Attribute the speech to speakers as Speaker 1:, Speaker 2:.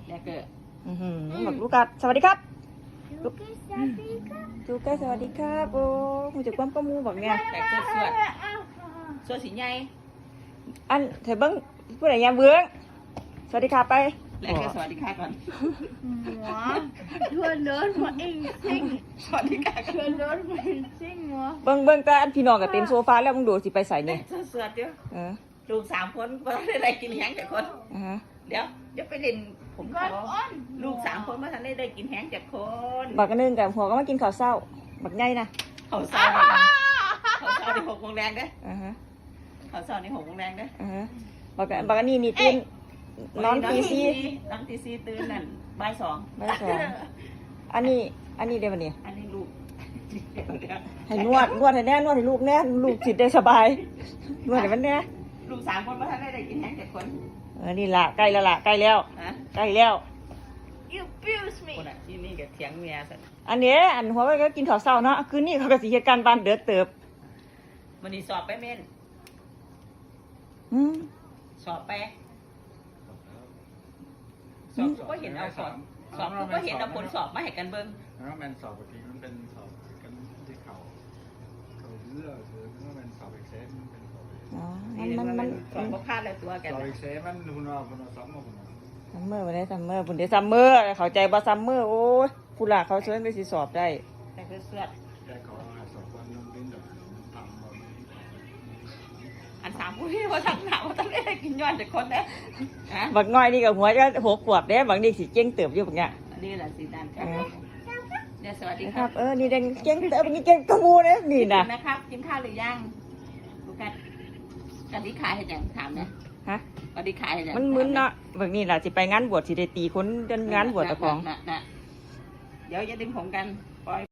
Speaker 1: แล้วก็
Speaker 2: บอกลูกกัดสวัสดีครับ
Speaker 3: ลูกสวัสดีครับ
Speaker 2: ลูกกัดสวัสดีครับโอ้หูจักความประมูบอกไง
Speaker 1: แต่ก็ส่วนสีใหญ่
Speaker 2: อันเธอเบิ้งผู้ใดยามเบื้องสวัสดีครับไป
Speaker 1: แล้วก็สวัสดีค่ะก่อน
Speaker 3: หัวชวนเดินมาเองซิ่ง
Speaker 1: สวัสดีค่ะ
Speaker 3: ชวนเดินมาเองซิ่งหัว
Speaker 2: เบิ้งแต่อันพี่น้องกับเต็มโซฟาแล้วมึงดูสิไปใส่เนี่ย
Speaker 1: สวัสดี
Speaker 2: เออ
Speaker 1: ลูก3 คนก็ได้กินแห้งจากคน
Speaker 2: ฮะ
Speaker 1: เดี๋ยวไปเล่นผมข
Speaker 3: ก้
Speaker 1: อ
Speaker 3: อนอ้อน
Speaker 1: ลูก3 คนเมื่อทันได้กินแห้งจากคน
Speaker 2: บักกันนึงกับหัวก็มากินข้าวเศร้าบักใหญ่นะ
Speaker 1: เขาเศร้าใน6 โมงแรงเด้
Speaker 2: อ่าฮะ
Speaker 1: เขาเศร้าใน6 โมงแรงเด้
Speaker 2: อ่าฮะบักอันนี้นี่ตื่นนอนตีสี่
Speaker 1: นอนตี4ตื่นนั่นบ่าย 2
Speaker 2: บ่ายสอง อันนี้เดี๋ยววันนี้
Speaker 1: อันนี้ลูก
Speaker 2: ให้นวดให้แน่นวดให้ลูกแน่ลูกจิตได้สบายนวดให้มันแน่
Speaker 1: ลูก3 คนเมื่อทันได้กินแห้งจากคน
Speaker 2: นี่ละใกล้แล้วล่ะใกล้แล้ว
Speaker 1: ฮะ
Speaker 2: ใกล้แล้ว
Speaker 3: You abuse me
Speaker 1: คนอ่ะที่นี่กับเถียงเมียสัตว์
Speaker 2: อันนี้อันหัวก็กินข้าวเศร้าเนาะคืนนี้เขาก็สิเหตุการณ์บ้านเดือดเติบ
Speaker 1: มันนี่สอบไปเม่น
Speaker 2: อืม
Speaker 1: สอบไปสอบก็เห็นเอาสอบก็เห็นเอาผลสอบมาให้กันเบิ้ง
Speaker 4: แล้วแมนสอบปกติมันเป็นสอบกันที่เขาเลือกหรือว่ามันสอบเอ็กเซสมันเป็นสอบ
Speaker 2: อ๋อ
Speaker 1: นี่
Speaker 2: มัน
Speaker 1: สอบก็พลาดแล้วตัวกัน
Speaker 4: สอบเอ็กเซสมันคุณเอาสอบมาคุณเอา
Speaker 2: ซัมเมอร์วันนี้ซัมเมอร์ปุ่นเดซัมเมอร์เข้าใจบ่ซัมเมอร์โอ้ยผู้หลักเขาเชิญไปสิสอบได้
Speaker 1: แต่คือเสื้อ
Speaker 4: แต่ขอสอบวันนึงเป็นแบบทำแบบ
Speaker 1: อัน3 ผู้ที่ว่าทั้งหนาว่าต้องได้กินย้อนจากคนนะฮะ
Speaker 2: บักน้อยนี่กับหัวจะ6 ขวบเด้บางนี่สิเจ๊งเติบอยู่บักเนี้ย
Speaker 1: อันนี้แหละสีดันครับเดี๋ยวสวัสดี
Speaker 2: นะ
Speaker 1: ค
Speaker 2: ค
Speaker 1: รั
Speaker 2: รั
Speaker 1: บบ
Speaker 2: นี่เด้งเจ๊งเติบนี่เจ๊งกระมูเนี่ยนี่นะ
Speaker 1: นะครับกินข้าวหรือยังดูกันกันที่ขายให้ยังถามนะ
Speaker 2: ฮะ
Speaker 1: กันที่ขายให้ยัง
Speaker 2: มันมึนเนาะบางนี่ล่ะสิไปงานบวชสิได้ตีคนเดินงานบวชตะของ
Speaker 1: เดี๋ยวจะดึงผมกันปล่อย